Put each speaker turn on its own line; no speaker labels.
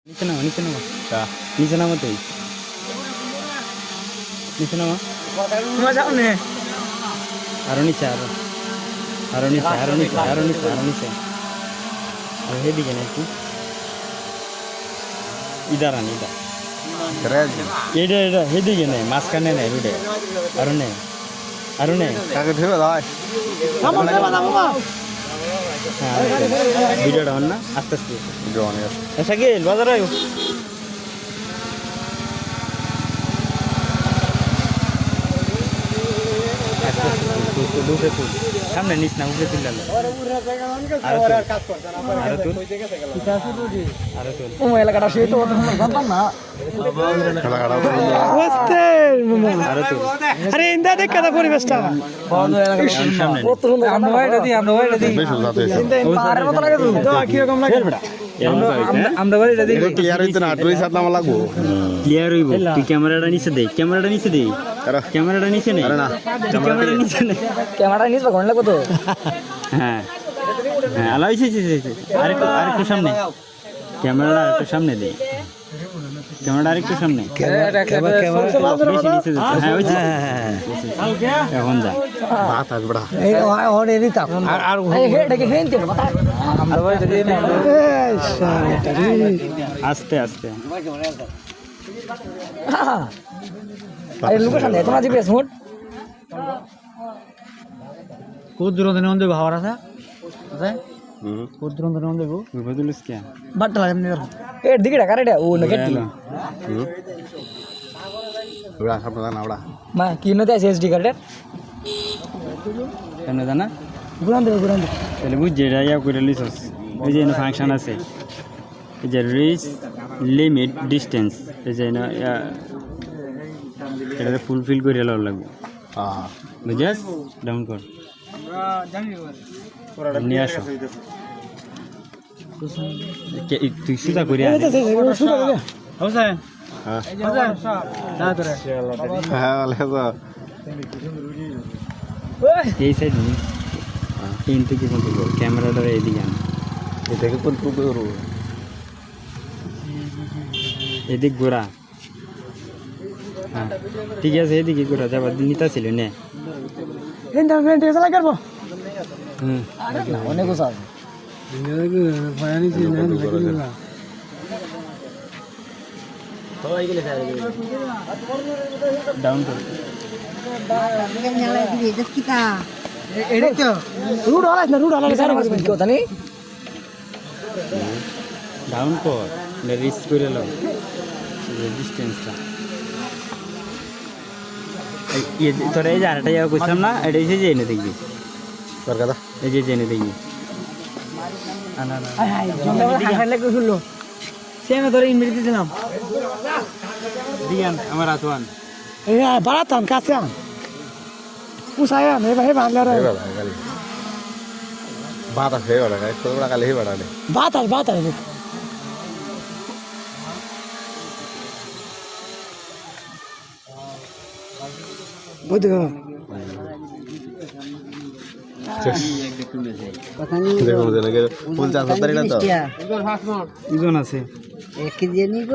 নিচে নামা নিচে নামা তুই নিচে নামা আরো নিচে আরো নিচে হেদিকে না একটু ইদার আন ইদার এটা হেদিকে নেই মাঝখানে নেই রুডে আরো নেই
কাকে ধরে ভাই
ভিডিওটা হন না আস্তে আস্তে শাকিল বাজার আয়ো সামনে নিস না উপরে তুললে
এলাকাটা সে তো জানতাম না আরে ইন্দা দেখ কাদা পরিবেশটা পাহাড়ের মতো লাগে তো কিরকম লাগে
আমরা বাড়ি রেডি
ক্লিয়ার হইতো না আটুই সাত নামা লাগবো
ক্লিয়ার হইব তুই ক্যামেরাটা নিচে দে ক্যামেরাটা নিচে নেই
আরে না
ক্যামেরাটা নিচে নেই
ক্যামেরা নিস বা ঘন্টা লাগবো তো
হ্যাঁ আলো আরেকটু সামনে ক্যামেরাটা আরেকটু সামনে দে ক্যামেরাটা আরেকটু সামনে এখন যা
বাতাস বড়া
এই ওরে দিতাম আর হেডকে হেনতে আমরা বলে দিই না
আস্তে আস্তে
আরে লোকেশন দে তোমার জিপিএস মোড
কত দূর ধরে দেব হাওয়ার আছে কত দূর ধরে দেব বদলিস কি
বাট লাগে নে এর দিকে ঢাকা রে ও না কেটি
বড়া সব না বড়া
মা কি নতে আছে এসডি কার্ডের
কেন জানা
গুরান দে
তাহলে বুঝ যেটা ইয়া করে লিসস ওই যে ফাংশন আছে এই যে রিচ লিমিট ডিসটেন্স এই যে এটা ফুলফিল করে লওয়া লাগবে
হ্যাঁ
বুঝাস ডাউন কর নিয়ে আসো তুই সুতা করে
হ্যাঁ
এই সাইড তিন থেকে কোন ক্যামেরাটা এইদিকে আন
এটাকে কোন টুকু করব
এদিক ঘোরা হ্যাঁ ঠিক আছে এদিকে ঘোরা যাবার নিতা ছিল নে
হেনটা হেনটা এসে লাগে করব
হুম
অনেক গোসা
ডাউন কর
রুড হলাস সারা কি কথা নি
ডাউন কর রিচ করে লো ডিস্টেন্সটা তোরা এই যে আরেকটা জায়গা করছিলাম না এটা এসে যে এনে দেখবি
তোর কথা
এই যে এনে দেখবি
সেমে ধরে ইনভিট দিলাম
দিয়ান আমার আতওয়ান
এই বাড়াতাম কাছে আন পুষায়া নে ভাই বাংলা রে
বাতাস হয়ে গেল গাইস তোর বড়া কালে হি বড়া
বাতাস বুঝতে
দেখো দেখো ফুল চাষ করতে না তো
ওজন আছে
1 কেজি